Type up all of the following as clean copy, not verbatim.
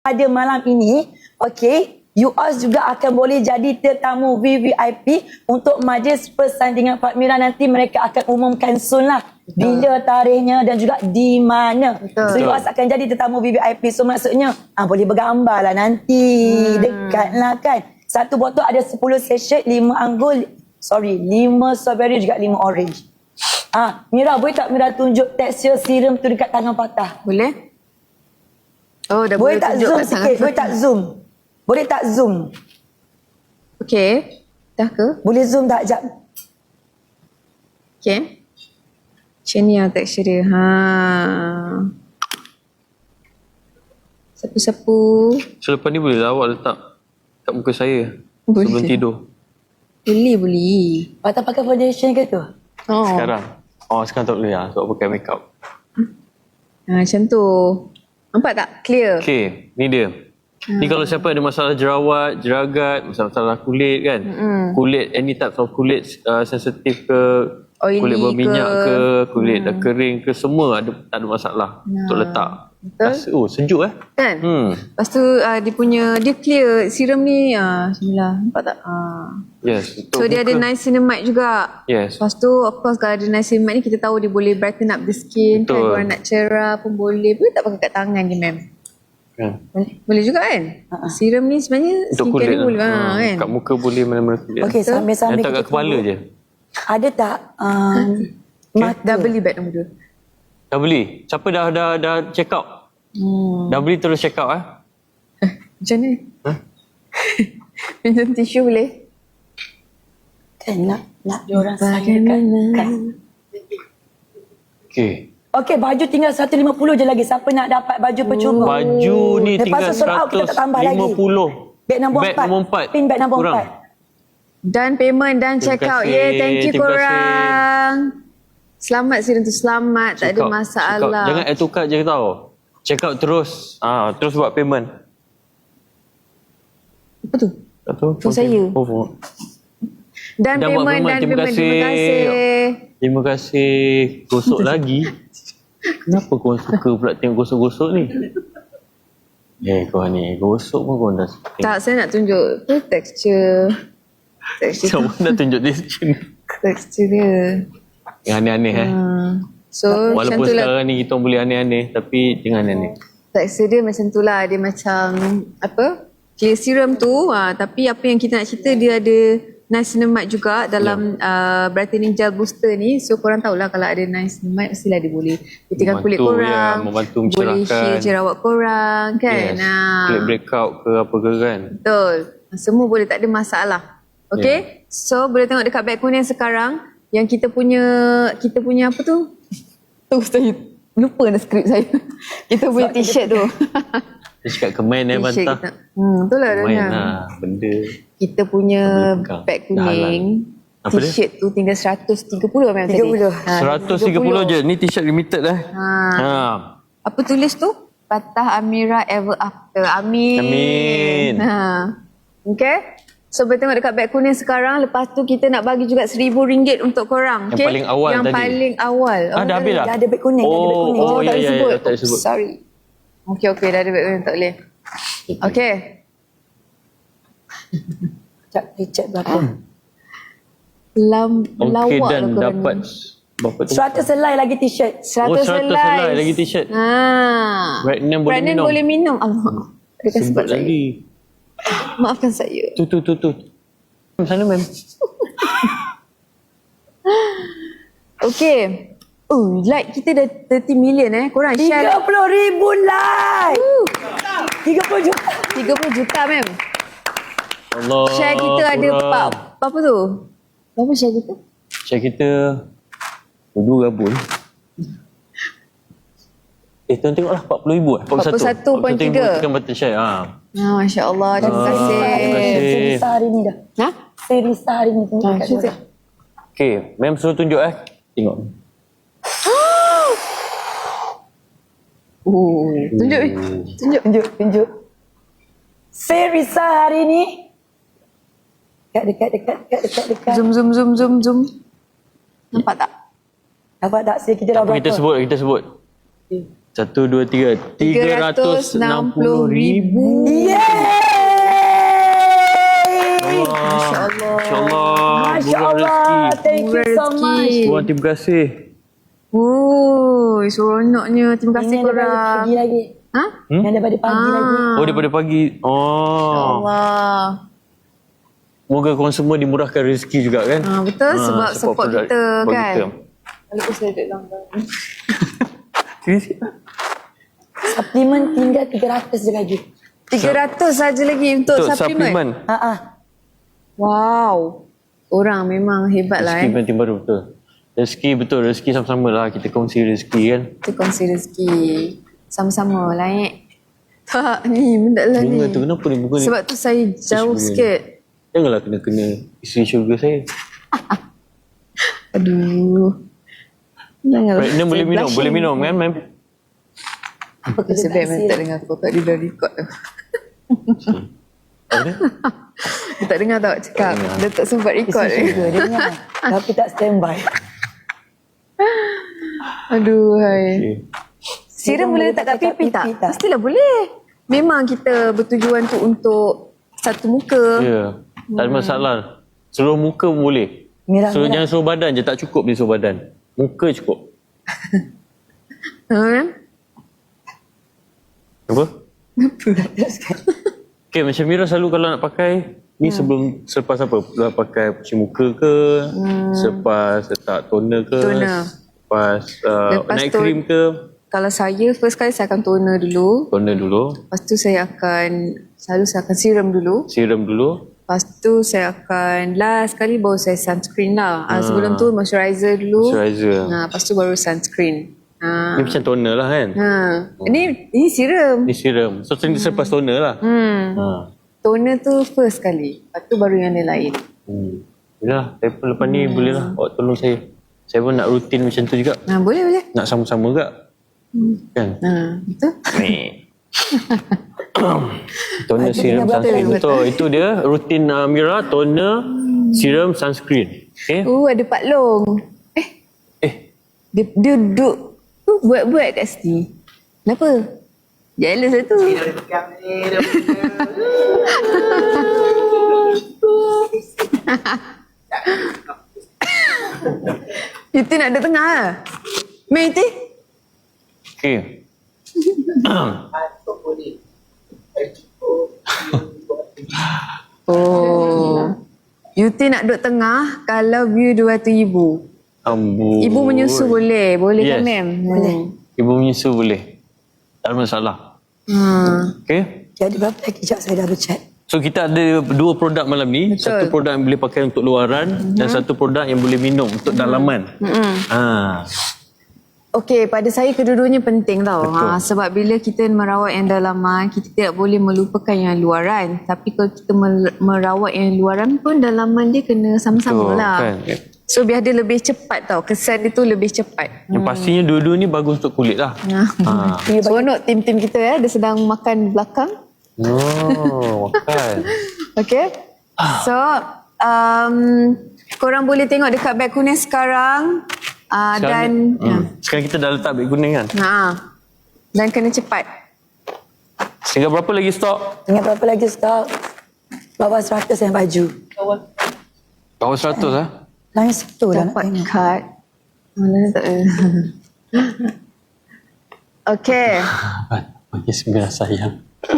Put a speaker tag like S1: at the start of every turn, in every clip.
S1: pada malam ini, okey, you all juga akan boleh jadi tetamu VVIP untuk majlis persandingan Pak Mira. Nanti mereka akan umumkan soon lah bila tarikhnya dan juga di mana. So you all akan jadi tetamu VVIP. So maksudnya boleh bergambar lah nanti. Dekat lah kan. Satu botol ada 10 sachet, 5 anggur, 5 strawberry juga 5 orange. Mira, boleh tak Mira tunjuk tekstur serum tu dekat tangan patah?
S2: Boleh? Oh, dah
S1: boleh tak
S2: tunjuk
S1: zoom
S2: kat
S1: sikit? Boleh tak zoom? Boleh tak zoom?
S2: Okey. Dah ke?
S1: Boleh zoom tak? Sekejap.
S2: Okey. Macam ni lah tekstur dia. Sapu-sapu.
S3: Selepas ni boleh awak letak kat muka saya
S2: Boleh.
S3: sebelum tidur.
S2: Boleh.
S1: Patah pakai foundation ke tu?
S2: Oh.
S3: Sekarang tak boleh lah sebab pakai makeup.
S2: Macam tu. Nampak tak? Clear.
S3: Okay, ni dia. Ni kalau siapa ada masalah jerawat, jeragat, masalah kulit kan. Kulit, any types of kulit sensitif ke,
S2: Oily
S3: kulit berminyak ke, kulit dah
S2: Hmm.
S3: kering ke, semua tak ada masalah untuk letak.
S2: Betul.
S3: Sejuk
S2: Kan? Lepas tu dia clear. Serum ni, bismillah. Nampak tak?
S3: Yes, betul.
S2: So dia ada niacinamide juga.
S3: Yes.
S2: Lepas tu of course kalau ada niacinamide ni kita tahu dia boleh brighten up the skin. Kan?
S3: Betul.
S2: Kalau nak cerah pun boleh. Boleh tak pakai kat tangan je ma'am?
S3: Kan?
S2: Boleh juga kan? Serum ni sebenarnya
S3: Untuk
S2: skincare
S3: kulit
S2: ni boleh kan?
S3: kat muka boleh, mana-mana kulit.
S1: Okey, sambil-sambil
S3: letak kat
S1: kita
S3: kepala
S1: tunggu.
S3: je.
S1: Ada tak mata?
S2: Dah beli beg nombor 2.
S3: Dah beli? Siapa dah check out? Dah beli terus check out
S2: Macam ni? Pinjam tisu boleh?
S1: Kan nak diorang sayangkan.
S3: Okey.
S1: Okey, baju tinggal 150 je lagi. Siapa nak dapat baju percuma?
S3: Baju ni
S1: Lepas
S3: tinggal
S1: tu sold out, kita tak tambah lagi.
S3: 150.
S1: Beg nombor 4.
S3: Beg nombor 4.
S1: Pin beg nombor
S3: Kurang.
S1: 4.
S2: Dan payment dan check
S3: Terima
S2: out.
S3: kasih.
S2: Thank you
S3: Terima kasih.
S2: korang. Selamat Siren tu selamat. Tak ada
S3: Check out.
S2: masalah.
S3: Jangan add to cart je tau. Check out terus. Terus buat payment.
S2: Apa tu?
S3: Tak tahu.
S2: For saya. Dan
S3: Dah buat
S2: payment dan
S3: Terima
S2: payment.
S3: kasih.
S2: Terima kasih.
S3: Terima kasih. Gosok lagi. Kenapa kau suka pula tengok gosok-gosok ni? Kau ni gosok pun kau dah suka.
S2: Tak, saya nak tunjuk texture.
S3: Macam mana tunjuk dia macam ni?
S2: Texture dia.
S3: Yang aneh-aneh
S2: So
S3: Walaupun
S2: macam tu lah.
S3: sekarang ni kita boleh aneh-aneh, tapi jangan aneh.
S2: Texture dia macam tu lah. Dia macam apa? Clear serum tu. Tapi apa yang kita nak cerita, dia ada niacinamide juga dalam brightening gel booster ni. So korang tahulah kalau ada niacinamide mestilah dia boleh putihkan kulit
S3: Membantu,
S2: korang.
S3: membantu
S2: boleh
S3: mencerahkan.
S2: shield jerawat korang kan.
S3: Yes. Kulit breakout ke apa ke kan.
S2: Betul. Semua boleh, tak ada masalah. Okay? So boleh tengok dekat beg kuning sekarang yang kita punya apa tu? Tu saya lupa dah skrip saya. Kita punya t-shirt tu.
S3: Dia cakap kemen
S2: T-shirt
S3: bantah.
S2: kita. Betul lah
S3: Kemen
S2: Dana.
S3: benda.
S2: Kita punya
S3: Boleh pegang.
S2: beg
S3: Dah halal.
S2: kuning.
S3: Apa dia?
S2: T-shirt tu tinggal 130 memang tadi.
S1: 30.
S3: 130 je. Ni t-shirt limited
S2: Apa tulis tu? Patah Amira ever after. Amin.
S3: Amin.
S2: Okay. So boleh tengok dekat beg kuning sekarang. Lepas tu kita nak bagi juga RM1,000 untuk korang.
S3: Yang
S2: okay?
S3: paling awal
S2: Yang
S3: tadi.
S2: paling awal.
S3: Dah habis dah?
S1: Dah ada beg kuning. Dah ada beg kuning.
S3: Oh,
S2: tak
S3: ya,
S2: disebut.
S3: tak disebut.
S2: Sorry. Okay, dah ada beg kuning. Tak boleh. Okay.
S1: Sekejap, dia check berapa.
S3: Okey
S2: Lawak
S3: dan
S2: lah korang
S3: dapat
S2: ni.
S3: berapa tu?
S1: 100 helai lagi t-shirt.
S2: 100
S3: 100 helai lagi t-shirt.
S2: Pregnant
S3: Pregnant boleh minum.
S2: boleh minum. Allah. Dia
S3: Sebut
S2: sebut saya.
S3: lagi.
S2: Maafkan saya.
S3: Tu. Sana mem.
S2: Okay. Like kita dah 30 million Korang share
S1: 30,000 like. 30 juta.
S2: 30 juta mem.
S3: Allah.
S2: Share kita ada apa tu? Berapa share kita?
S3: Share kita dua gabung. Tuan tengoklah 40,000
S2: 41.3.
S3: Tekan button share.
S2: Masya Allah. Terima kasih.
S3: terima kasih.
S1: Serisa hari ni dah. Serisa hari ni.
S3: Okay, mem suruh tunjuk Tengok.
S1: Tunjuk. Serisa hari ni. Dekat.
S2: Zoom. Nampak tak?
S1: Nampak tak? Kita dah
S3: Apa
S1: berapa?
S3: kita sebut. 1, 2, 3. 360,000.
S2: Masya Allah.
S3: InsyaAllah.
S1: Masya
S3: Murah
S1: Allah.
S3: rezeki.
S1: Thank you
S2: Murah
S1: so
S2: rezeki.
S1: much.
S3: Tuan, terima kasih.
S2: Oh, seronoknya. Terima kasih
S1: Ini daripada
S2: korang.
S1: pagi lagi.
S2: Ha?
S1: Yang daripada pagi lagi.
S3: Oh, daripada pagi. Oh.
S2: Allah.
S3: Moga korang semua dimurahkan rezeki juga kan.
S2: Betul, sebab support
S3: produk-
S2: kita
S3: support
S2: kan.
S3: kita.
S2: Walaupun saya duduk langgar.
S1: Suplemen tinggal 300 je lagi.
S2: 300 saja lagi untuk
S3: Untuk
S2: suplemen.
S3: suplemen.
S2: Wow. Orang memang hebat lah
S3: Rezeki penting baru betul. Rezeki betul. Rezeki sama-sama lah. Kita kongsi rezeki kan.
S2: Kita kongsi rezeki. Sama-sama lah Tak, ni benda lah ni.
S3: Bunga tu kenapa ni bunga ni?
S2: Sebab tu saya jauh
S3: bunga ni.
S2: sikit.
S3: Janganlah kena isteri syurga saya.
S2: Aduh. Janganlah.
S3: Pregnant boleh minum. Boleh minum kan ma'am?
S1: Apa kerja
S2: Sebab memang tak dengar kau tak dia dah record tu.
S3: Apa dia?
S2: Dia tak dengar tau cakap. Dia tak sempat record.
S1: Isi juga dia dengar. Tapi tak standby.
S2: Aduh, hai.
S3: Okay.
S2: Siram boleh letak kat pipi tak?
S1: pipi tak?
S2: Mestilah boleh. Memang kita bertujuan tu untuk satu muka.
S3: Ya. Tak ada masalah. Seluruh muka pun boleh.
S1: Merah-merah.
S3: Jangan seluruh badan je. Tak cukup dia seluruh badan. Muka cukup.
S2: Ha?
S3: Apa? Okay, macam Mira selalu kalau nak pakai ni selepas apa? Dah pakai cuci muka ke? Selepas letak toner ke?
S2: Toner.
S3: Lepas,
S2: Lepas
S3: night
S2: tu-
S3: cream ke?
S2: Kalau saya, first kali saya akan toner dulu.
S3: Toner dulu.
S2: Lepas tu saya akan serum dulu.
S3: Serum dulu.
S2: Lepas tu saya akan last kali baru saya sunscreen lah. Sebelum tu moisturizer dulu.
S3: Moisturizer.
S2: Lepas tu baru sunscreen.
S3: Ni macam toner lah kan?
S2: Ini serum.
S3: Ni serum. So selepas toner lah.
S2: Toner tu first kali. Lepas tu baru yang lain.
S3: Yalah, saya pun lepas ni boleh lah. Awak tolong saya. Saya pun nak rutin macam tu juga.
S2: Boleh.
S3: Nak sama-sama juga. Kan?
S2: Betul?
S3: Toner, serum, sunscreen. Betul. Itu dia rutin Mira. Toner, serum, sunscreen. Okay?
S2: Ada Pak Long. Dia duduk buat-buat kat sini. Kenapa? Jealous lah tu. Itu nak duduk tengah lah. Mei tu.
S3: Okay.
S2: Yuti nak duduk tengah kalau view 200,000.
S3: Ambul.
S2: Ibu menyusu boleh. Boleh
S3: Yes.
S2: kan, ma'am?
S1: Boleh.
S3: Ibu menyusu boleh. Tak ada masalah. Okay.
S1: Jadi berapa lagi? Sekejap saya dah berchat.
S3: So kita ada 2 produk malam ni.
S2: Betul.
S3: Satu produk yang boleh pakai untuk luaran dan satu produk yang boleh minum untuk dalaman.
S2: Okey, pada saya kedua-duanya penting tau.
S3: Betul.
S2: Sebab bila kita merawat yang dalaman, kita tidak boleh melupakan yang luaran. Tapi kalau kita merawat yang luaran pun, dalaman dia kena sama-sama
S3: Betul,
S2: lah.
S3: kan?
S2: So biar dia lebih cepat tau. Kesan dia tu lebih cepat.
S3: Yang pastinya dua-dua ni bagus untuk kulit lah.
S2: Seronok tim-tim kita dia sedang makan belakang.
S3: Oh, makan.
S2: Okay. So, korang boleh tengok dekat beg kuning sekarang. Dan
S3: Sekarang kita dah letak beg kuning kan?
S2: dan kena cepat.
S3: Tinggal berapa lagi stok?
S1: Ingat berapa lagi stok? Bawah 100 yang baju.
S3: Bawah 100 lah.
S1: Lain satu lah nak
S2: Dapat
S1: tengok.
S2: kad. Mana tak ada. Okay.
S3: Panggil sembilan sayang.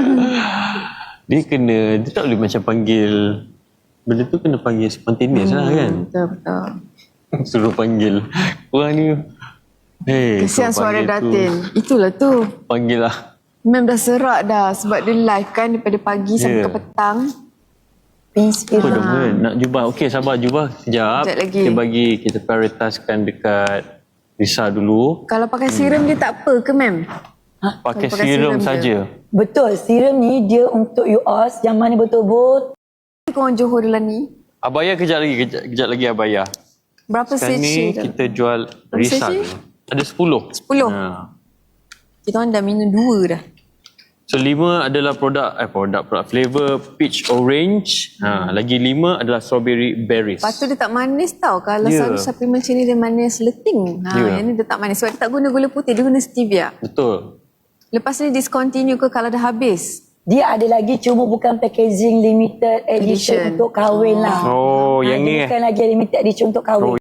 S3: Dia tak boleh macam panggil. Benda tu kena panggil spontaneous lah kan?
S2: Betul-betul.
S3: Suruh panggil. Korang ni.
S2: Kesian
S3: kau
S2: suara
S3: panggil
S2: Datin. Itulah tu.
S3: Panggil lah.
S2: Memang dah serak dah. Sebab dia live kan daripada pagi sampai ke petang.
S1: Inspirasi.
S3: Apa dong kan? Nak jubah. Okey, sabar jubah. Sekejap.
S2: Sekejap lagi.
S3: Kita prioritaskan dekat Risa dulu.
S2: Kalau pakai serum dia tak apa ke, ma'am?
S3: Pakai
S2: Kalau pakai
S3: serum
S2: serum
S3: saja.
S1: Betul, serum ni dia untuk UOS yang mana betul-betul
S2: Korang Johor dalam ni.
S3: Abaya kejap lagi Abaya.
S2: Berapa
S3: Sekarang ni
S2: sachet?
S3: kita jual
S2: Berapa
S3: Risa
S2: sachet?
S3: dulu. Ada 10.
S2: 10. Kita orang dah minum 2 dah.
S3: So 5 adalah produk flavor peach orange. Lagi 5 adalah strawberry berries.
S2: Lepas tu dia tak manis tau. Kalau
S3: Ya.
S2: selalu suplemen macam ni dia manis leting.
S3: Ya.
S2: Yang ni dia tak manis. Sebab dia tak guna gula putih, dia guna stevia.
S3: Betul.
S2: Lepas ni discontinue ke kalau dah habis?
S1: Dia ada lagi cuma bukan packaging limited edition
S2: Edition.
S1: untuk kahwin lah.
S3: Oh, yang
S1: dia
S3: ni
S1: bukan lagi limited edition untuk kahwin.